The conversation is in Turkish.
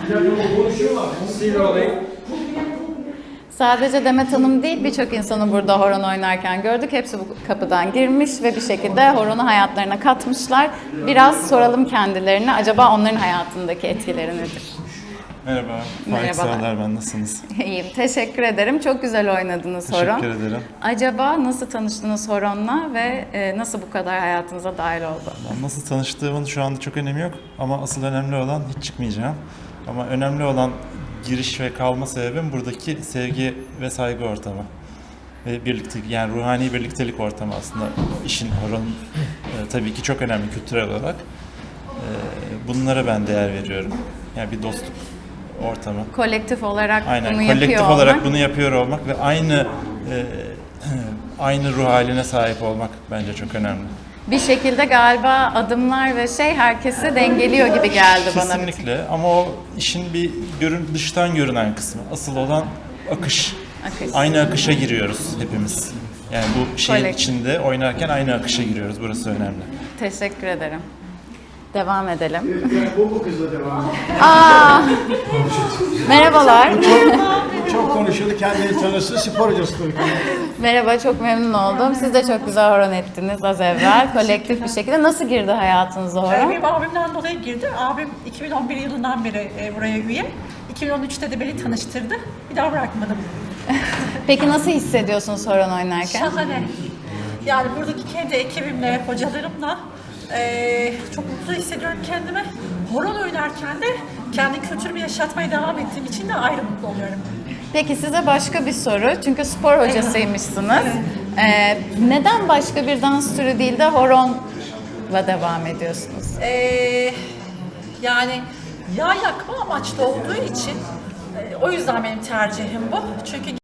Sadece Demet Hanım değil, birçok insanı burada horon oynarken gördük. Hepsi bu kapıdan girmiş ve bir şekilde horonu hayatlarına katmışlar. Biraz soralım kendilerine, acaba onların hayatındaki etkileri nedir? Merhaba, Faik Sağlar ben, nasılsınız? İyiyim, teşekkür ederim. Çok güzel oynadınız horon. Teşekkür ederim. Acaba nasıl tanıştınız horonla ve nasıl bu kadar hayatınıza dahil oldu? Nasıl tanıştığımın şu anda çok önemi yok ama asıl önemli olan, hiç çıkmayacağım. Ama önemli olan giriş ve kalma sebebim buradaki sevgi ve saygı ortamı. Ve birlikte, yani ruhani birliktelik ortamı aslında işin, horonun tabii ki çok önemli kültürel olarak. Bunlara ben değer veriyorum. Yani bir dostluk ortamı. Kolektif olarak Aynen, bunu yapıyor kolektif olmak. olarak bunu yapıyor olmak ve aynı ruh haline sahip olmak bence çok önemli. Bir şekilde galiba adımlar ve herkesi dengeliyor gibi geldi bana. Kesinlikle, ama o işin bir dıştan görünen kısmı. Asıl olan akış. Aynı akışa giriyoruz hepimiz. Yani bu şeyin içinde oynarken aynı akışa giriyoruz. Burası önemli. Teşekkür ederim. Devam edelim. Evet, bu kızla devam edelim. Merhabalar. Çok konuşuldu, kendini tanısı, spor hocası. Merhaba, çok memnun oldum. Siz de çok güzel horon ettiniz az evvel. Kolektif bir şekilde. Nasıl girdi hayatınıza horon? Benim abimden dolayı girdi. Abim 2011 yılından beri buraya üye. 2013'te de beni tanıştırdı. Bir daha bırakmadım. Peki nasıl hissediyorsunuz horon oynarken? Şahane. Yani buradaki kendi ekibimle, hocalarımla çok mutlu hissediyorum kendimi. Horon oynarken de kendi kültürümü yaşatmaya devam ettiğim için de ayrı mutlu oluyorum. Peki size başka bir soru. Çünkü spor hocasıymışsınız. Neden başka bir dans türü değil de horonla devam ediyorsunuz? Yani yağ yakma amaçlı olduğu için o yüzden benim tercihim bu. Çünkü